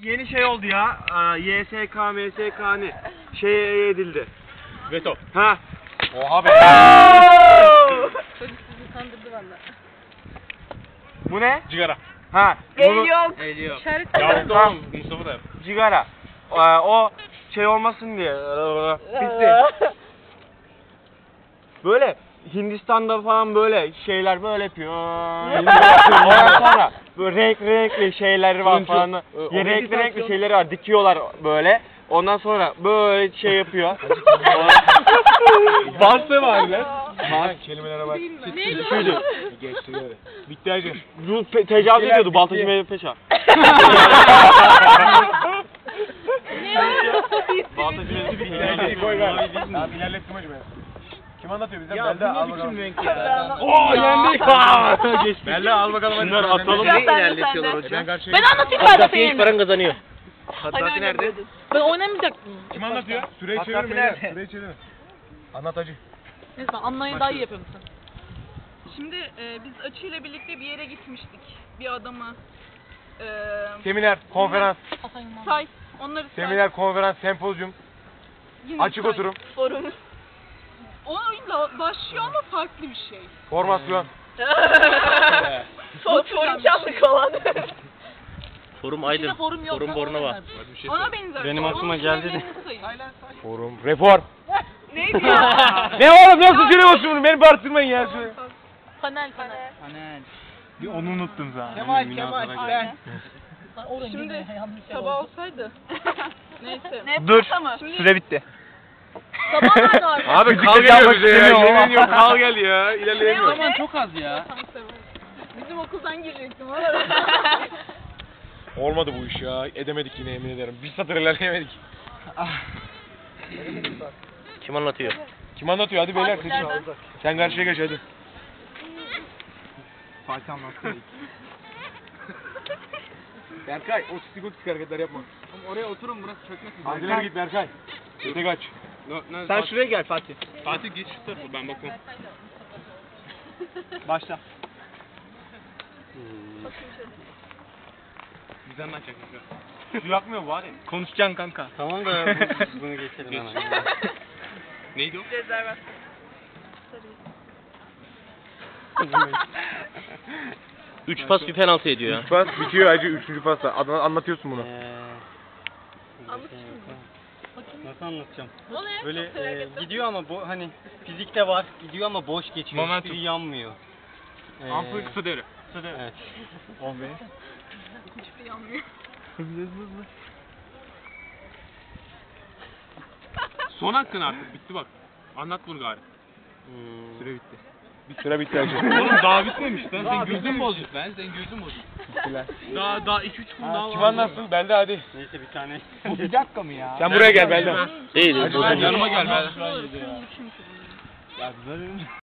Yeni şey oldu ya. YSK, MSK ne? Şey edildi. Veto. Ha. Oha be. Çocuk sizi kandırdı valla. Bu ne? Cigara. Ha. El yok. El yok. İşaret Ya yok. tamam. Mustafa da yap. Cigara. O şey olmasın diye. Bitti. Böyle Hindistan'da falan böyle şeyler böyle yapıyor. Ondan sonra böyle renkli şeyleri var falan. Renkli şeyleri var. Dikiyorlar böyle. Ondan sonra böyle şey yapıyor. Varsa var lan. Bak kelimelere bak. Neydi Şuydu. Geçti böyle. Bitti hacı. Bu tecavüz ediyordu Baltacı Mehmet Paşa. Baltacı Mehmet Paşa. Koy ver. Ya ilerlettim hacı ben. Kim anlatıyor bize? Ya Belda bu al ne bakalım. biçim renk ya? Oo yendik. Geçtik. Belda al bakalım hadi. Şunları atalım. Ne ilerletiyorlar hocam? Ben karşıya Ben anlatayım Ferdat'a Hiç yerine. paran kazanıyor. Hani Haddati nerede? oynamıyordun. Ben oynamayacaktım. Kim anlatıyor? Süreyi Hakkı çevirin nerede? beyler. Süreyi çevirin. Anlat hacı. Neyse ben anlayı daha iyi yapıyorum sen. Şimdi biz Açı ile birlikte bir yere gitmiştik. Bir adama. Seminer, konferans, Hasan Yılmaz. Say. Onları say. seminer, konferans, sempozyum, Yine açık say. oturum, Forum. Oyunla başlıyor ama farklı bir şey. formasyon. Forum çaldık olan. Forum İçinde forum yok. Forum Bornova. Onlar. Ona benzer. Benim Onun aklıma geldi de. türevlerini sayın. Forum, reform. Neydi ya? Ne oğlum nasıl söylüyorsun bunu? Beni bağırtırmayın ya. Panel. Bir onu unuttum zaten. Kemal. Aynen. Şimdi Şimdi yanlış sabah olsaydı. Neyse. Dur. Şimdi Süre bitti. Sabah nerede abi? Abi kal geliyor bize ya, yemin ediyorum, kal gel ya. İlerleyemiyorum. Zaman çok az ya. bizim okuldan girecektim. Olmadı bu iş ya. Edemedik yine yemin ederim. Bir satır ilerleyemedik. Kim anlatıyor? Kim anlatıyor? Hadi beyler. Fatihlerden. Sen karşıya geç hadi. Fatih anlattı. Berkay o sigotik hareketler yapma. Oraya oturun, burası çökmesin. Hadi ileri git Berkay. Öte kaç. Sen şuraya gel Fatih. Fatih geç şu tarafa ben bakıyorum. Başla. Bizden açacak. Su yakmıyor bari. Konuşacaksın kanka. Tamam da bunu geçelim hemen. Neydi o? Rezervasyon. 3 pas bir penaltı ediyor ya. Pas bitiyor hacı 3. pasta. Anlatıyorsun bunu. Nasıl anlatacağım? O ne? Böyle Çok merak ettim. gidiyor ama bu hani fizikte var, gidiyor ama boş geçiyor. Momentum. Hiçbiri yanmıyor. Ampul kısa devre. Evet. Hiçbir yanmıyor. Son hakkın artık bitti bak. Anlat bunu gari. Süre bitti. Süre bitti hacı. Oğlum daha bitmemiş lan. Sen gözün bozuk lan. Sen gözün bozuk. Daha 2-3 kum daha var. Kim anlatsın? Belda hadi. Neyse bir tane. Bir dakika mı ya? Sen buraya gel Belda. Değil. Hadi yanıma gel Belda. Şunu düşünmüşüm. Ya